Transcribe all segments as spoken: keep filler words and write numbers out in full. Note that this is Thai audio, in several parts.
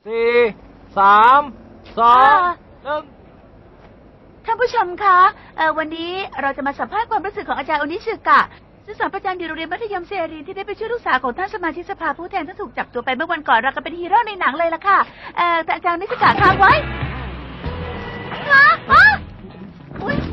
สี่สามสองหนึ่งท่านผู้ชมคะเอ่อวันนี้เราจะมาสัมภาษณ์ความรู้สึกของอาจารย์โอนิสึกะซึ่งสอนประจำอยู่โรงเรียนมัธยมเซรีที่ได้ไปช่วยลูกสาวของท่านสมาชิกสภาผู้แทนที่ถูกจับตัวไปเมื่อวันก่อนเราก็เป็นฮีโร่ในหนังเลยล่ะค่ะเอ่อแต่อาจารย์โอนิสึกะค้างไว้ฮะฮะอุ๊ย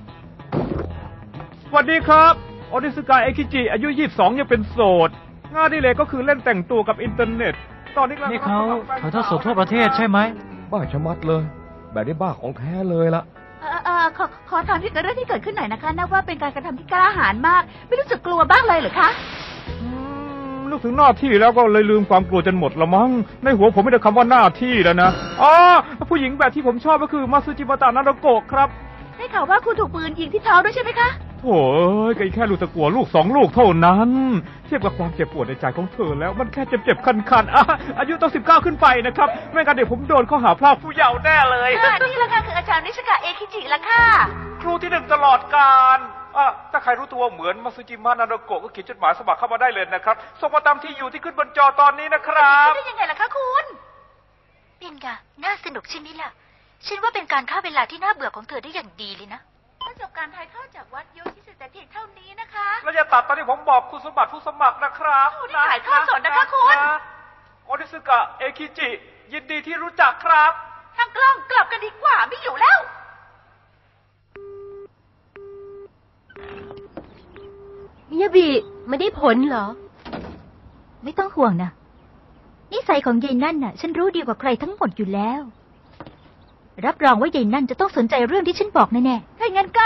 สวัสดีครับโอนิสึกะเอคิจิอายุยี่สิบสองยังเป็นโสดงานอดิเรกก็คือเล่นแต่งตัวกับอินเทอร์เน็ตตอนนี้นี่เขาถ่ายทอดสดทั่วประเทศใช่ไหมบ้าชะมัดเลยแบบนี้บ้าของแท้เลยละเอ่อเอ่อขอขอถามที่เกิดเรื่องที่เกิดขึ้นหน่อยนะคะนับว่าเป็นการกระทำที่กล้าหาญมากไม่รู้สึกกลัวบ้างเลยเหรอคะนึกถึงหน้าที่แล้วก็เลยลืมความกลัวจนหมดละมั้งในหัวผมไม่ได้คำว่าหน้าที่แล้วนะอ๋อผู้หญิงแบบที่ผมชอบก็คือมาซึจิมะตะนาโดโกะครับได้ข่าวว่าคุณถูกปืนยิงที่ท้องด้วยใช่ไหมคะโถ่เอ้ยก็แค่ลูกตะกั่วลูกสองลูกเท่านั้นเทียบกับความเจ็บปวดในใจของเธอแล้วมันแค่เจ็บๆคันๆอ่ะอายุต้องสิบเก้าขึ้นไปนะครับไม่งั้นเดี๋ยวผมโดนข้อหาพรากผู้เยาว์แน่เลยนี่ละค่ะคืออาจารย์นิชกะเอคิจิละค่ะครูที่หนึ่งตลอดกาลอ่ะถ้าใครรู้ตัวเหมือนมาซึจิมะนาโดโกะก็เขียนจดหมายสมัครเข้ามาได้เลยนะครับส่งมาตามที่อยู่ที่ขึ้นบนจอตอนนี้นะครับได้ยังไงล่ะคะคุณเป็นกะน่าสนุกใช่ไหมล่ะฉันว่าเป็นการฆ่าเวลาที่น่าเบื่อของเธอได้อย่างดีเลยนะประสบการณ์ถ่ายทอดจากวัดโยชิสึแต่เพียงเท่านี้นะคะเราจะตัดตอนที่ผมบอกคุณสมบัติผู้สมัครนะครับนี่ถ่ายทอดสดนะคะคุณโอนิสึกะเอคิจิยินดีที่รู้จักครับทางกล้องกลับกันดีกว่าไม่อยู่แล้วมิยาบิไม่ได้ผลเหรอไม่ต้องห่วงนะนิสัยของยายนั่นน่ะฉันรู้ดีกว่าใครทั้งหมดอยู่แล้วรับรองว่ายายนั่นจะต้องสนใจเรื่องที่ฉันบอกแน่ๆถ้างั้นก็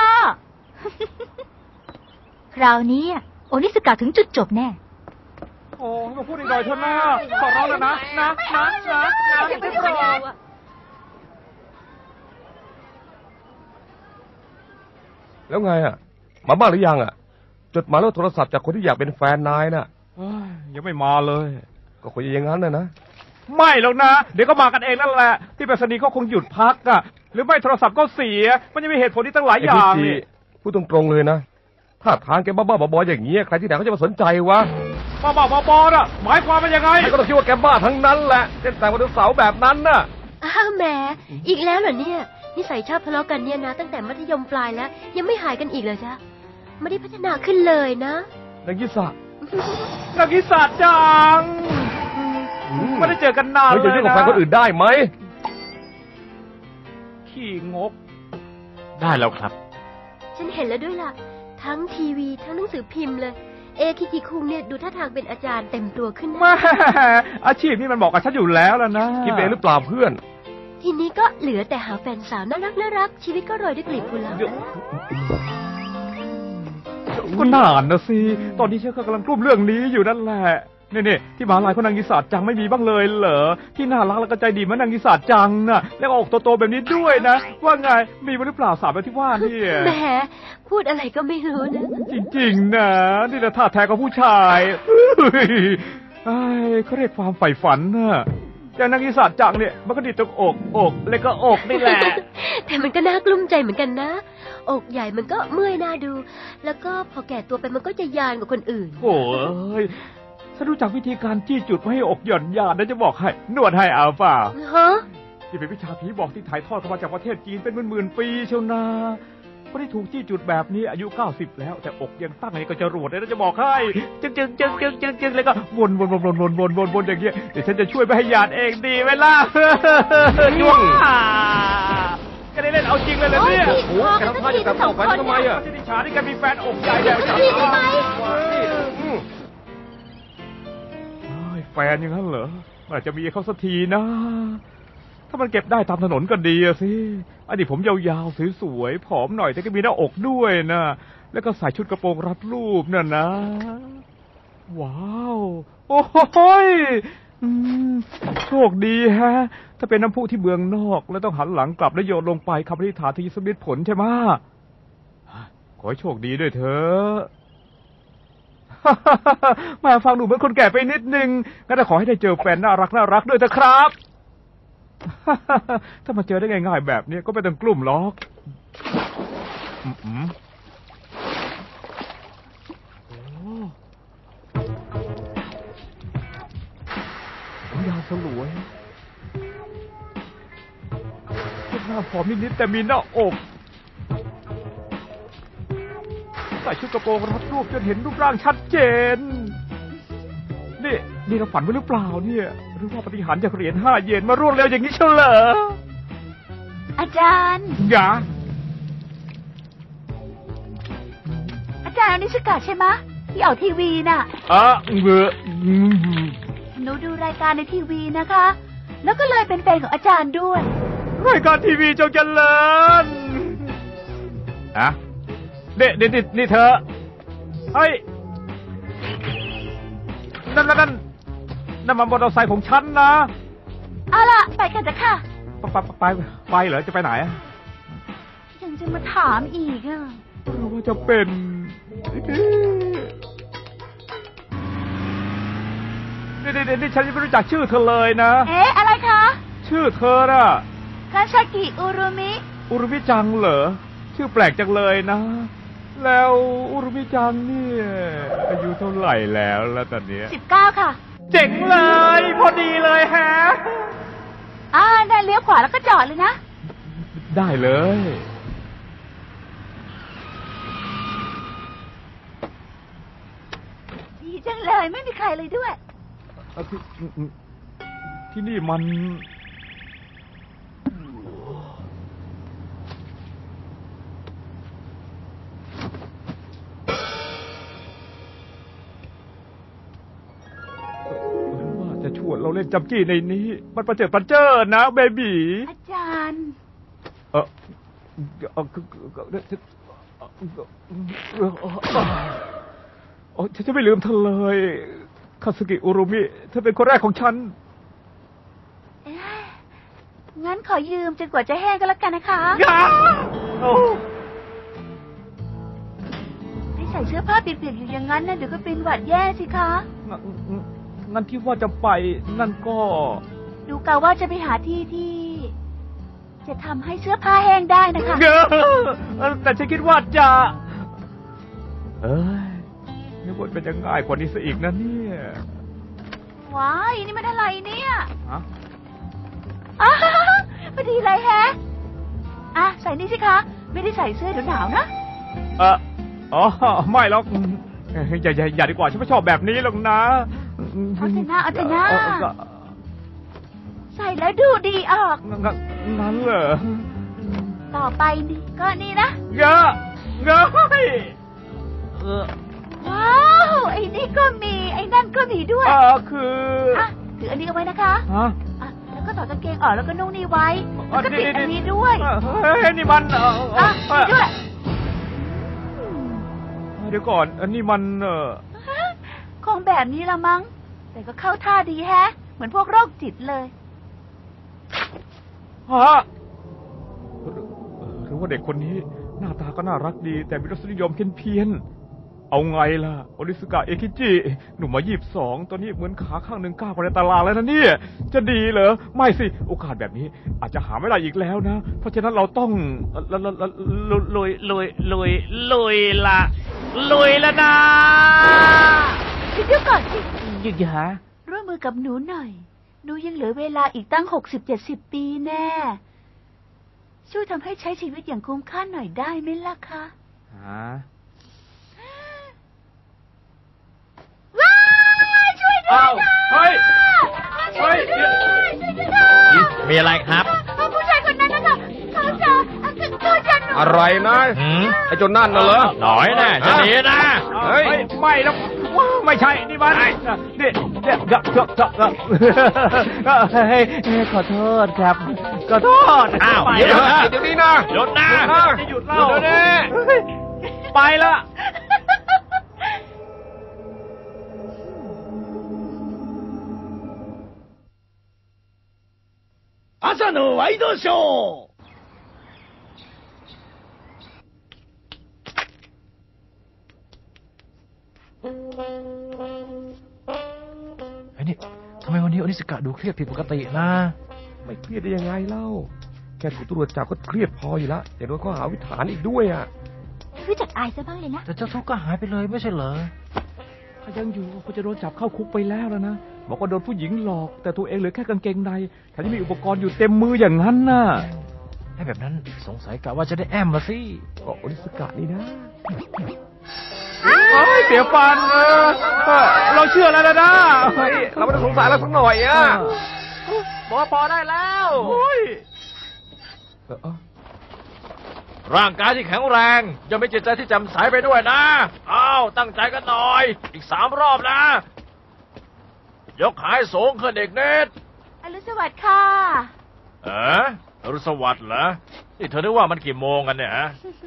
คราวนี้โอนิสกะถึงจุดจบแน่โอ้มาพูดอีกหน่อยเถอะนะขอร้องแล้วนะนะนะนะนะอย่าไปพูดอย่างนั้นแล้วไงอ่ะมาบ้างหรือยังอ่ะจดหมายแล้วโทรศัพท์จากคนที่อยากเป็นแฟนนายน่ะยังไม่มาเลยก็คุยอย่างนั้นนะนะไม่หรอกนะเดี๋ยวก็มากันเองนั่นแหละที่ไปรษณีย์เขาคงหยุดพักอ่ะหรือไม่โทรศัพท์ก็เสียมันยังมีเหตุผลที่ตั้งหลายอย่างนี่พูดตรงๆเลยนะถ้าทางแกบ้าๆบอๆอย่างเงี้ยใครที่ไหนเขาจะมาสนใจวะบ้าๆบอๆน่ะหมายความว่ายังไงก็ต้องคิดว่าแกบ้าทั้งนั้นแหละเล่นแต่วันเสาร์แบบนั้นน่ะอ้าวแหมอีกแล้วเหรอเนี่ยนิสัยชอบทะเลาะกันเนี่ยนะตั้งแต่มัธยมปลายแล้วยังไม่หายกันอีกเลยจ้ะไม่ได้พัฒนาขึ้นเลยนะนักกิสะนักกิสะจังไม่ได้เจอกันนานเลยนะเราจะยุ่งกับแฟนคนอื่นได้ไหมขี้งกได้แล้วครับฉันเห็นแล้วด้วยล่ะทั้งทีวีทั้งหนังสือพิมพ์เลยเอคิจิคุงเนี่ยดูท่าทางเป็นอาจารย์เต็มตัวขึ้นนะอาชีพนี้มันบอกกับฉันอยู่แล้วล่ะนะคิดเองหรือเปล่าเพื่อนทีนี้ก็เหลือแต่หาแฟนสาวน่ารักน่ารักชีวิตก็โรยด้วยกลีบกุหลาบก็นานนะสิตอนนี้ฉันกำลังกลุ้มเรื่องนี้อยู่นั่นแหละนี่ๆที่มหาลัยของนางกิสาจังไม่มีบ้างเลยเหรอที่น่ารักแล้วก็ใจดีเหมือนนางกิสาจังน่ะแล้วก็อกโตๆแบบนี้ด้วยนะว่าไงมีหรือเปล่าสาวแบบที่ว่านี่แหมพูดอะไรก็ไม่รู้นะจริงๆนะนี่แหละท่าแท้ของผู้ชายไอ้เขาเรียกความใฝ่ฝันน่ะอย่างนางกิสาจังเนี่ยมันก็ดีตรงอกอกแล้วก็อกนี่แหละแต่มันก็น่ากลุ้มใจเหมือนกันนะอกใหญ่มันก็เมื่อยน่าดูแล้วก็พอแก่ตัวไปมันก็จะยานกว่าคนอื่นโอ้ยฉันรู้จักวิธีการจี้จุดไม่ให้อกหย่อนยานนะจะบอกให้นวดให้เอาเปล่าฮะที่เป็นวิชาผีบอกที่ถ่ายทอดเข้ามาจากประเทศจีนเป็นหมื่นๆปีเชียวนะคนที่ถูกจี้จุดแบบนี้อายุเก้าสิบแล้วแต่อกยังตั้งไงก็จะรวดเลยนะจะบอกให้จึงจึงจึงจึงจึงจึงเลยก็วนวนวนวนวนวนวนวนอย่างเงี้ยเดี๋ยวฉันจะช่วยไม่ให้ยานเองดีไหมล่ะจ้วงก็ได้เล่นเอาจริงเลยเลยเนี่ยโอ้โหแกทำท่าจะกลับออกไปทำไมอ่ะที่ดิฉันนี่แกมีแฟนอกใหญ่แบบนี้ทำไมแฟนอย่างนั้นเหรออาจจะมีเขาสักทีนะถ้ามันเก็บได้ตามถนนก็ดีสิอันนี้ผมยาวๆสวยๆผอมหน่อยแต่ก็มีหน้าอกด้วยนะแล้วก็ใส่ชุดกระโปรงรัดรูปนั่นนะว้าวโอ้โหโชคดีฮะถ้าเป็นน้ำพุที่เมืองนอกแล้วต้องหันหลังกลับแล้วโยนลงไปคำอธิษฐานที่สำเร็จผลใช่ไหมขอให้โชคดีด้วยเถอะมาฟังดูเหมือนคนแก่ไปนิดนึงงั้นขอให้ได้เจอแฟนน่ารักน่ารักด้วยเถอะครับถ้ามาเจอได้ง่ายๆแบบนี้ก็ไม่ต้องกลุ้มหรอกโอ้ยาวสลวยน้าผอมนิดๆแต่มีหน้าอกใส่ชุดกระโปรงรัดรูปจนเห็นรูปร่างชัดเจนนี่นี่เราฝันไว้หรือเปล่าเนี่ยหรือว่าปฏิหารย์จากเหรียญห้าเยนมารวดเร็วอย่างนี้เชียวเหรออาจารย์อย่าอาจารย์อนิสกะใช่ไหมที่ออกทีวีน่ะอ่ะเบื่อหนูดูรายการในทีวีนะคะแล้วก็เลยเป็นแฟนของอาจารย์ด้วยรายการทีวีจงเจริญอะเด็ดเด็ดนี่เธอเฮ้ยนั่นนั่นนั่นนั่นมันมอเตอร์ไซค์ของฉันนะเอาล่ะไปกันจ้ะค่ะไปไปไปไปเหรอจะไปไหนยังจะมาถามอีกอ่ะว่าจะเป็นนี่นี่นี่ฉันยังไม่รู้จักชื่อเธอเลยนะเอ๊ะอะไรคะชื่อเธอน่ะคาชากิอุรุมิอุรุมิจังเหรอชื่อแปลกจังเลยนะแล้วอุรุมิจังเนี่ยอายุเท่าไหร่แล้วแล้วตอนนี้สิบเก้าค่ะเจ๋งเลยพอดีเลยฮะอ่าได้เลี้ยวขวาแล้วก็จอดเลยนะได้เลยดีจังเลยไม่มีใครเลยด้วยที่ที่นี่มันจะชวนเราเล่นจับจี้ในนี้มันประเจิดประเจิดนะเบบีอาจารย์เออเออโอ้ฉันจะไม่ลืมเธอเลยคาสึกิอุรุมิเธอเป็นคนแรกของฉันงั้นขอยืมจนกว่าจะแห้งก็แล้วกันนะคะไม่ใส่เสื้อผ้าเปียกๆอยู่อย่างนั้นนะเดี๋ยวก็เป็นหวัดแย่สิคะงั้นที่ว่าจะไปนั่นก็ดูกะว่าจะไปหาที่ที่จะทำให้เสื้อผ้าแห้งได้นะคะแต่ฉันคิดว่าจะเอ้ยนึกว่าเป็นจะง่ายกว่านี้ซะอีกนะเนี่ยว้ายนี่มันอะไรเนี่ยฮะอ้าพอดีเลยแฮะอ่ะใส่นี่สิคะไม่ได้ใส่เสื้อหนาวนะเอออ๋อไม่หรอกอย่าอย่าอย่าดีกว่าฉันไม่ชอบแบบนี้หรอกนะเอาเถอะนะเอาเถอะนะใส่แล้วดูดีออกนั้นเหรอต่อไปนี่ก็นี่นะเงอะเงอะว้าวไอ้นี่ก็มีไอ้นั่นก็มีด้วยอ่าคืออ่ะถืออันนี้เอาไว้นะคะฮะแล้วก็ถอดกางเกงออกแล้วก็นุ่งนี่ไว้แล้วก็ติดอันนี้ด้วยเฮ้ยนี่มันอ่ะด้วยเดี๋ยวก่อนอันนี้มันเออคงแบบนี้ละมั้งแต่ก็เข้าท่าดีแฮะเหมือนพวกโรคจิตเลยฮะหรือว่าเด็กคนนี้หน้าตาก็น่ารักดีแต่มีรสนิยมเพี้ยนๆเอาไงล่ะโอริสึกะเอคิจิหนุ่มมายี่สิบสองตอนนี้เหมือนขาข้างหนึ่งก้าวไปในตารางแล้วนะเนี่ยจะดีเหรอไม่สิโอกาสแบบนี้อาจจะหาไม่ได้อีกแล้วนะเพราะฉะนั้นเราต้องลุยลุยลุยลุยละลุยแล้วนะคิดดูก่อนสิยิ่งหาร่วมมือกับหนูหน่อยหนูยังเหลือเวลาอีกตั้งหกสิบเจ็ดสิบปีแน่ช่วยทำให้ใช้ชีวิตอย่างคุ้มค่าหน่อยได้ไหมล่ะคะฮะว้าวช่วยด้วยนะเฮ้ยเฮ้ยมีอะไรครับผู้ชายคนนั้นนะคะเขาจะเขาจะหนูอะไรนะไอ้จนนั่นน่ะเหรอหน่อยแน่จะหนีนะเฮ้ยไม่แล้วไม่ใช่นี่มันนี่เดี๋ยวเดี๋ยวเดี๋ยวเดี๋ยวเฮ้ยขอโทษครับขอโทษอ้าวเดี๋ยวเดี๋ยวนี้นะหยุดนะจะหยุดเล่าเดี๋ยวนี้ไปละ朝のワイドショーไอ้นี่ทำไมวันนี้อนิสกะดูเครียดผิดปกตินะไม่เครียดได้ยังไงเล่าแค่ถูกตำรวจจับก็เครียดพออยู่ละแต่โดนข้อหาวิถานอีกด้วยอ่ะรู้จักอายซะบ้างเลยนะแต่เจ้าทุกข์ก็หายไปเลยไม่ใช่เหรอถ้ายังอยู่ก็จะโดนจับเข้าคุกไปแล้วแล้วนะบอกว่าโดนผู้หญิงหลอกแต่ตัวเองเหลือแค่กางเกงในแถมยังมีอุปกรณ์อยู่เต็มมืออย่างนั้นน่ะให้แบบนั้นสงสัยกะว่าจะได้แอมมาสิก็โอนิสกะนี่นะเฮ้ยเสียฟันเออเออเราเชื่อแล้วนะนะเฮ้ยเราไม่ได้สงสัยแล้วสักหน่อยอ่ะบอกว่าพอได้แล้วโอ้ยเออเออร่างกายที่แข็งแรงยังมีจิตใจที่แจ่มใสไปด้วยนะอ้าวตั้งใจกันหน่อย อีกสามรอบนะ ยกขายสูงขึ้นเด็กเนตอรุณสวัสดิ์ค่ะเอ๋อรุณสวัสดิ์เหรอนี่เธอนึกว่ามันกี่โมงกันเนี่ยฮะ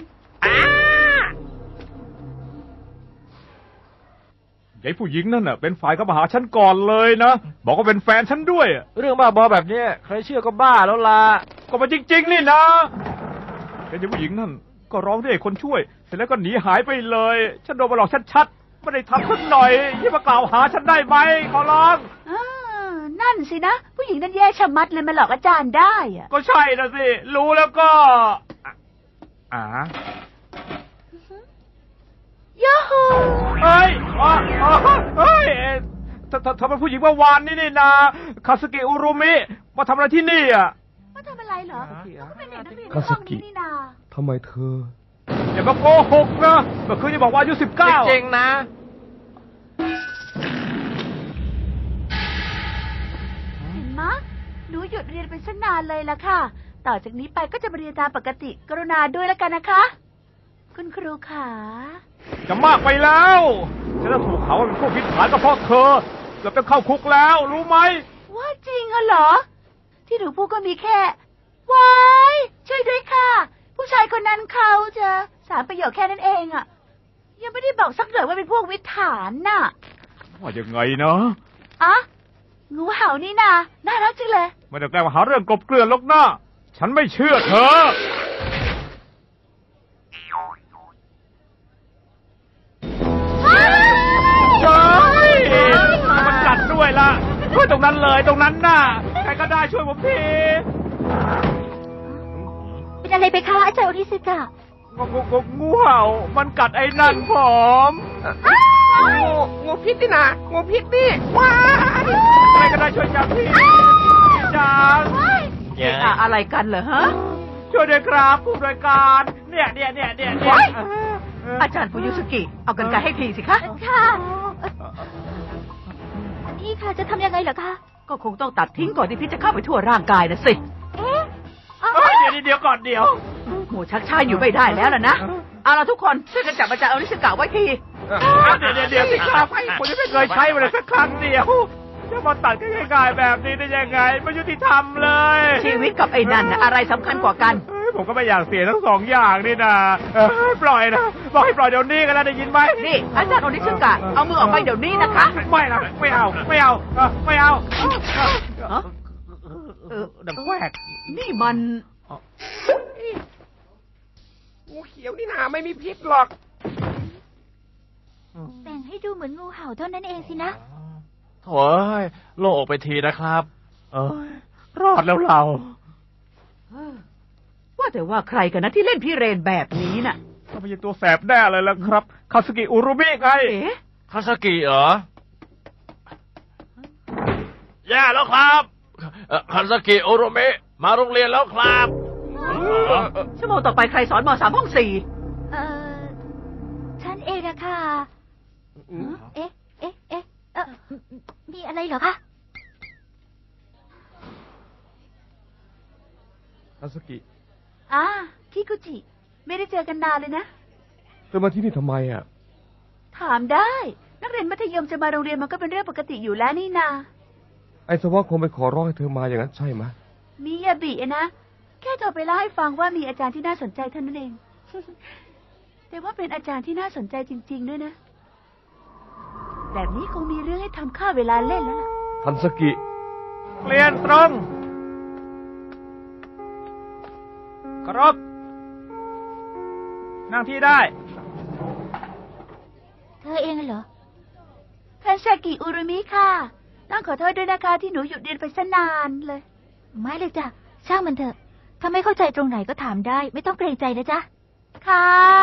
ยายผู้หญิงนั่นน่ะเป็นฝ่ายเข้ามาหาฉันก่อนเลยนะบอกว่าเป็นแฟนฉันด้วยเรื่องบ้าบอแบบนี้ใครเชื่อก็บ้าแล้วล่ะก็มาจริงๆนี่นะแต่ยายผู้หญิงนั่นก็ร้องเรียกคนช่วยเสร็จแล้วก็หนีหายไปเลยฉันโดนมาหลอกชัดๆไม่ได้ทำสักหน่อยที่มากล่าวหาฉันได้ไหมขอร้องอ่านั่นสินะ ผู้หญิงนั่นแย่ชะมัดเลยมาหลอกอาจารย์ได้อะก็ใช่นะสิรู้แล้วก็อ่ายูฮูเฮ้ยอ๋ออ๋อเฮ้ยเธอเธอเธอเป็นผู้หญิงเมื่อวานนี่นี่นะคาสกิอุรุมิมาทำอะไรที่นี่อ่ะมาทำอะไรเหรอเขาก็เป็นเด็กนักเรียนในคาห้สองกินี้นี่นาทำไมเธออย่ามาโกหกนะเมื่อคืนจะบอกว่าอายุสิบเก้าจริงๆนะเห็นมะหนูหยุดเรียนไปสักนานเลยล่ะค่ะ ต่อจากนี้ไปก็จะมาเรียนตามปกติกรุณาด้วยแล้วกันนะคะ คุณครูขาจะมากไปแล้วฉันจะถูกเขาว่าเป็นพวกพิษฐานก็เพราะเธอเกือบจะเข้าคุกแล้วรู้ไหมว่าจริงเหรอ ที่หนูพูดก็มีแค่ว้ายช่วยด้วยค่ะ ผู้ชายคนนั้นเขาจะสามประโยคแค่นั้นเองอะยังไม่ได้บอกสักหน่อยว่าเป็นพวกวิถฐานน่ะว่ายังไงนะอะงูเห่านี่นาน่ารักจังเลยไม่ได้แกล้งมาหาเรื่องกลบเกลื่อนหรอกนะฉันไม่เชื่อเธอเฮ้ยมันกัดด้วยล่ะช่วยตรงนั้นเลยตรงนั้นน่ะใครก็ได้ช่วยผมทีเป็นอะไรไปคะอาจารย์โอนิสกะงูงูงูงูเห่ามันกัดไอ้นั่นผมงูงูพิษนี่นะงูพิษนี่ว้าใครก็ได้ช่วยจับทีจังเย้อะอะไรกันเหรอฮะช่วยด้วยครับผู้บริการเนี่ยเนี่ยเนี่ยเนี่ยเนี่ยอาจารย์ฟูยุสกิ เอากันไกลให้ทีสิคะค่ะนี่ค่ะจะทำยังไงเหรอคะก็คงต้องตัดทิ้งก่อนที่พิษจะเข้าไปทั่วร่างกายนะสิเอ๊ะเฮ้ยเดี๋ยวเดี๋ยวก่อนเดี๋ยวโหชักช้าอยู่ไม่ได้แล้วล่ะนะ เอาล่ะทุกคนช่วยกันจับอาจารย์โอนิสกะไว้ทีเดี๋ยวเดี๋ยวเดี๋ยวสิครับผมยังไม่เคยใช้มันเลยสักครั้งเดียวจะมาตัดกันง่ายๆแบบนี้ได้ยังไงไม่ยุติธรรมเลยชีวิตกับไอ้นั่นนะอะไรสำคัญกว่ากันเฮ้ยผมก็ไม่อยากเสียทั้งสองอย่างนี่นะเอ้ยปล่อยนะบอกให้ปล่อยเดี๋ยวนี้กันแล้วได้ยินไหมนี่อาจารย์โอนิสกะ เอามือออกไปเดี๋ยวนี้นะคะไม่นะไม่เอาไม่เอาเออไม่เอาฮะเออดังแวกนี่มันงูเขียวนี่นะไม่มีพิษหรอกแต่งให้ดูเหมือนงูเห่าเท่านั้นเองสินะโถ่เอ้ยโล่งอกไปทีนะครับเอ้ยรอดแล้วเราว่าแต่ว่าใครกันนะที่เล่นพี่เรนแบบนี้น่ะก็ไม่ใช่ตัวแสบแน่เลยละครับคาสกิอุรุมิไงเอ๊ะคาสกิเหรอแย่แล้วครับเอ่อคาสกิโอโรเมะมาโรงเรียนแล้วครับชั่วโมงต่อไปใครสอนมสามห้องสี่เออฉันเองอะค่ะ เอ๊ะ เอ๊ะ เอ๊ะ เออมีอะไรเหรอคะคาสกิอ่าคิกุจิ ไม่ได้เจอกันนานเลยนะเธอมาที่นี่ทำไมอ่ะถามได้ นักเรียนมัธยมจะมาโรงเรียนมันก็เป็นเรื่องปกติอยู่แล้วนี่นาไอ้สวะคงไปขอร้องให้เธอมาอย่างนั้นใช่ไหมมิยาบิอะนะ แค่โทรไปเล่าให้ฟังว่ามีอาจารย์ที่น่าสนใจเท่านั้นเอง แต่ว่าเป็นอาจารย์ที่น่าสนใจจริง ๆ ด้วยนะ แบบนี้คงมีเรื่องให้ทำค่าเวลาเล่นแล้วล่ะทันสกิเรียนตรงครบนั่งที่ได้เธอเองเหรอคันซากิอุรุมิค่ะ ต้องขอโทษด้วยนะคะที่หนูหยุดเรียนไปซะนานเลยไม่เลยจ้ะ ช่างมันเถอะ ถ้าไม่เข้าใจตรงไหนก็ถามได้ ไม่ต้องเกรงใจนะจ๊ะค่ะ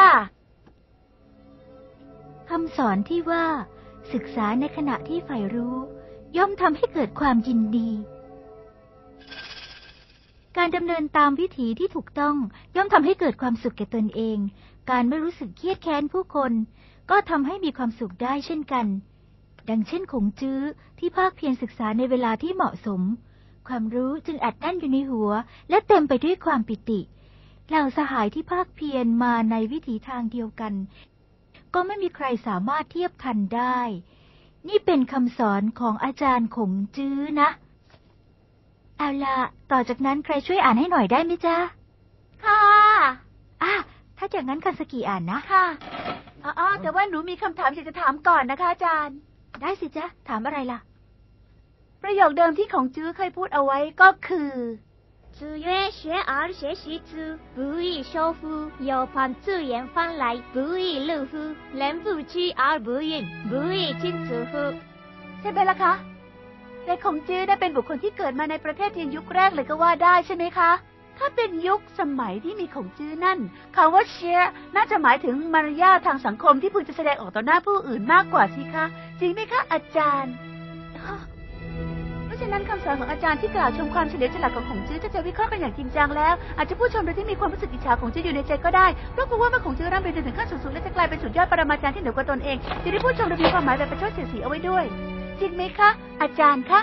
คำสอนที่ว่า ศึกษาในขณะที่ใฝ่รู้ ย่อมทำให้เกิดความยินดี กการดำเนินตามวิถีที่ถูกต้องย่อมทำให้เกิดความสุขแก่ตนเอง การไม่รู้สึกเครียดแค้นผู้คนก็ทำให้มีความสุขได้เช่นกันดังเช่นขงจื้อที่ภาคเพียรศึกษาในเวลาที่เหมาะสมความรู้จึงอัดแน่นอยู่ในหัวและเต็มไปด้วยความปิติเหล่าสหายที่ภาคเพียรมาในวิถีทางเดียวกันก็ไม่มีใครสามารถเทียบทันได้นี่เป็นคำสอนของอาจารย์ขงจื้อนะเอาล่ะต่อจากนั้นใครช่วยอ่านให้หน่อยได้ไหมจ๊ะค่ะอ่ะถ้าอย่างนั้นคันสกิอ่านนะค่ะอ๋อแต่ว่าหนูมีคำถามอยากจะถามก่อนนะคะอาจารย์ได้สิจ๊ะถามอะไรล่ะประโยคเดิมที่ของจื้อเคยพูดเอาไว้ก็คือ子曰學而時習之不亦說乎有朋自遠方來不亦樂乎人不知而不愠不亦知之乎ใช่ไหมล่ะคะแต่ของจื้อได้เป็นบุคคลที่เกิดมาในประเทศจีนยุคแรกเลยก็ว่าได้ใช่ไหมคะถ้าเป็นยุคสมัยที่มีของจื้อนั่นคำว่าเชียน่าจะหมายถึงมารยาททางสังคมที่พึงจะแสดงออกต่อหน้าผู้อื่นมากกว่าสิคะจริงไหมคะอาจารย์เพราะฉะนั้นคำสอนของอาจารย์ที่กล่าวชมความเฉลียวฉลาดของของจื้อถ้าจะวิเคราะห์กันอย่างจริงจังแล้วอาจจะผู้ชมโดยที่มีความรู้สึกอิจฉาของจื้ออยู่ในใจก็ได้เพราะกลัวว่าเมื่อของจื้อร่ำเรียนจนถึงขั้นสูงๆและจะกลายเป็นสุดยอดปรมาจารย์ที่เหนือกว่าตนเองจะได้ผู้ชมโดยมีความหมายแบบประชดเสียดสีเอาไว้ด้วยจริงไหมคะอาจารย์คะ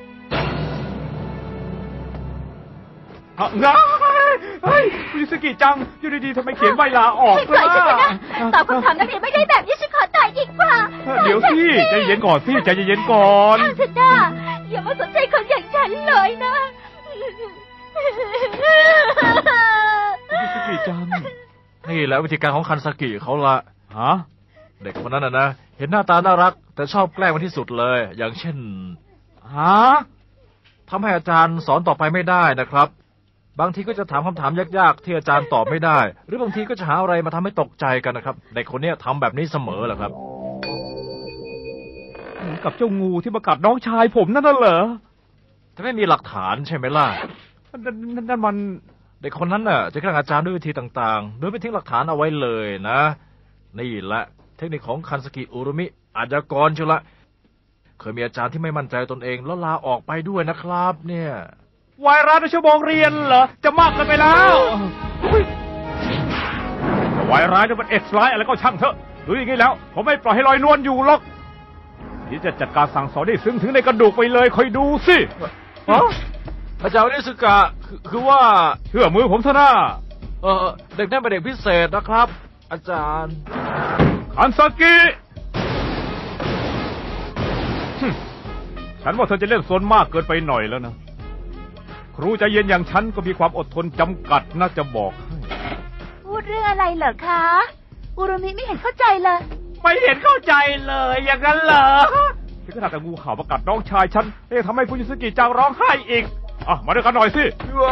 งาเฮ้ยคุณยูสกิจังอยู่ดีๆทำไมเขียนใบลาออกล่ะตอบคำถามนักเรียนไม่ได้แบบนี้ฉันขอตายดีกว่าเดี๋ยวสิใจเย็นก่อนสิใจเย็นก่อนเถอะนะอย่ามาสนใจคนอย่างฉันเลยนะคุณยูสกิจังนี่แหละวิธีการของคันสกิเขาละฮะเด็กคนนั้นนะนะเห็นหน้าตาน่ารักแต่ชอบแกล้งมันที่สุดเลยอย่างเช่นฮะทำให้อาจารย์สอนต่อไปไม่ได้นะครับบางทีก็จะถามคำถามยากๆที่อาจารย์ตอบไม่ได้หรือบางทีก็จะหาอะไรมาทำให้ตกใจกันนะครับเด็กคนนี้ทำแบบนี้เสมอแหละครับเหมือนกับเจ้างูที่มากัดน้องชายผมนั่นน่ะเหรอแต่ไม่มีหลักฐานใช่ไหมล่ะนั่นนั่นมันเด็กคนนั้นน่ะจะแกล้งอาจารย์ด้วยวิธีต่างๆโดยไม่ทิ้งหลักฐานเอาไว้เลยนะนี่แหละเทคนิคของคันสกิอุรุมิอาชญากรเชียวละเคยมีอาจารย์ที่ไม่มั่นใจตนเองแล้วลาออกไปด้วยนะครับเนี่ยวายร้านในชั่วโมงเรียนเหรอจะมากกันไปแล้ววายร้ายจะเป็นเอ็กซ์ไลท์อะไรก็ช่างเถอะหรืออย่างนี้แล้วผมไม่ปล่อยให้ลอยนวลอยู่หรอกนี่จะจัดการสั่งสอนได้ซึ้งถึงในกระดูกไปเลยคอยดูสิอาจารย์นิสกะคือว่าเชื่อมือผมเถอะนะเออเด็กนั่นเป็นเด็กพิเศษนะครับอาจารย์คันซากิฉันว่าเธอจะเล่นโซนมากเกินไปหน่อยแล้วนะครูใจเย็นอย่างฉันก็มีความอดทนจำกัดน่าจะบอกให้พูดเรื่องอะไรเหรอคะอุรุมิไม่เห็นเข้าใจเลยไม่เห็นเข้าใจเลยอย่างนั้นเหรอที่ขนาดแต่งูเห่ามากัดน้องชายฉันเอ๊ะทำไมคุณยูสกิจังร้องไห้อีกอ่ะมาด้วยกันหน่อยสิ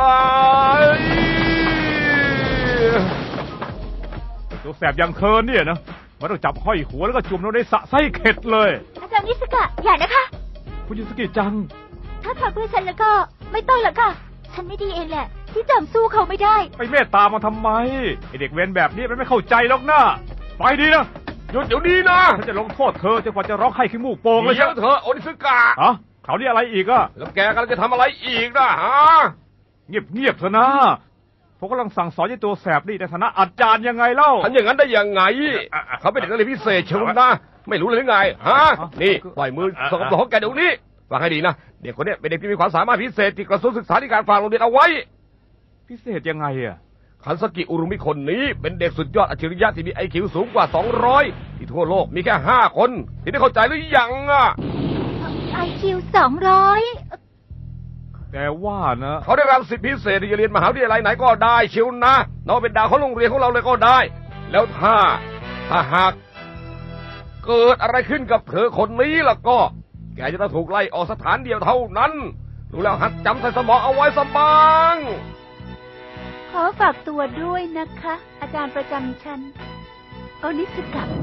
ตัวแสบอย่างเธอเนี่ยนะมันต้องจับห้อยหัวแล้วก็จุ่มลงในสระไส้เข็ดเลยอาจารย์นิสกะอย่านะคะคุณยูสกิจังถ้าทำเพื่อฉันแล้วก็ไม่ต้องหรอกค่ะฉันไม่ดีเองแหละที่จำสู้เขาไม่ได้ไปเมตตามันทำไมไอเด็กเวรแบบนี้มันไม่เข้าใจหรอกนะไปดีนะหยุดเดี๋ยวนี้นะฉันจะลงโทษเธอจนกว่าจะร้องไห้ขี้มูกโป่งเลยเดี๋ยวเธอโอนิสกะฮะเขานี่อะไรอีกอะแล้วแกกำลังจะทำอะไรอีกนะฮะเงียบเงียบเถอะนะผมกำลังสั่งสอนยี่ตัวแสบนี่ในฐานะอาจารย์ยังไงเล่าทำอย่างนั้นได้ยังไงเขาเป็นเด็กนักเรียนพิเศษเชียวนะไม่รู้เลยหรือไงฮะนี่ปล่อยมือสกปรกของแกเดี๋ยวนี้ฟังให้ดีนะเด็กคนนี้เป็นเด็กที่มีความสามารถพิเศษที่กระทรวงศึกษาธิการฝากโรงเรียนเอาไว้พิเศษยังไงอ่ะคันสกิอุรุมิคนนี้เป็นเด็กสุดยอดอัจฉริยะที่มีไอคิวสูงกว่าสองร้อยที่ทั่วโลกมีแค่ห้าคนที่ได้เข้าใจหรือยังอ่ะไอคิวสองร้อยแต่ว่านะเขาได้รับสิทธิพิเศษที่จะเรียนมหาวิทยาลัยไหนก็ได้เชียวนะน้องเป็นดาวของโรงเรียนของเราเลยก็ได้แล้วถ้าถ้าหากเกิดอะไรขึ้นกับเธอคนนี้ล่ะก็แกจะต้องถูกไล่ออกสถานเดียวเท่านั้นรู้แล้วหัดจำใส่สมองเอาไว้สบ้างขอฝากตัวด้วยนะคะอาจารย์ประจำชั้นโอนิสกะ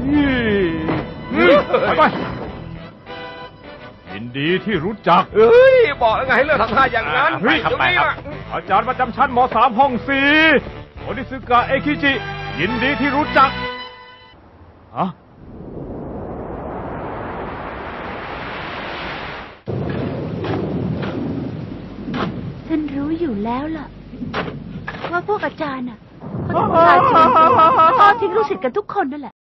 ไปยินดีที่รู้จักเอ้ยบอกแล้วไงให้เลิกทำท่าอย่างนั้นเฮ้ยทำไมครับอาจารย์ประจำชั้นม.สาม ห้องสี่โอนิสกะเอคิจิยินดีที่รู้จักฮะฉฉันรู้อยู่แล้วล่ะ ว่าพวกอาจารย์น่ะเขาจะพาชีวิตทอดทิ้งลูกศิษย์กันทุกคนนั่นแหละ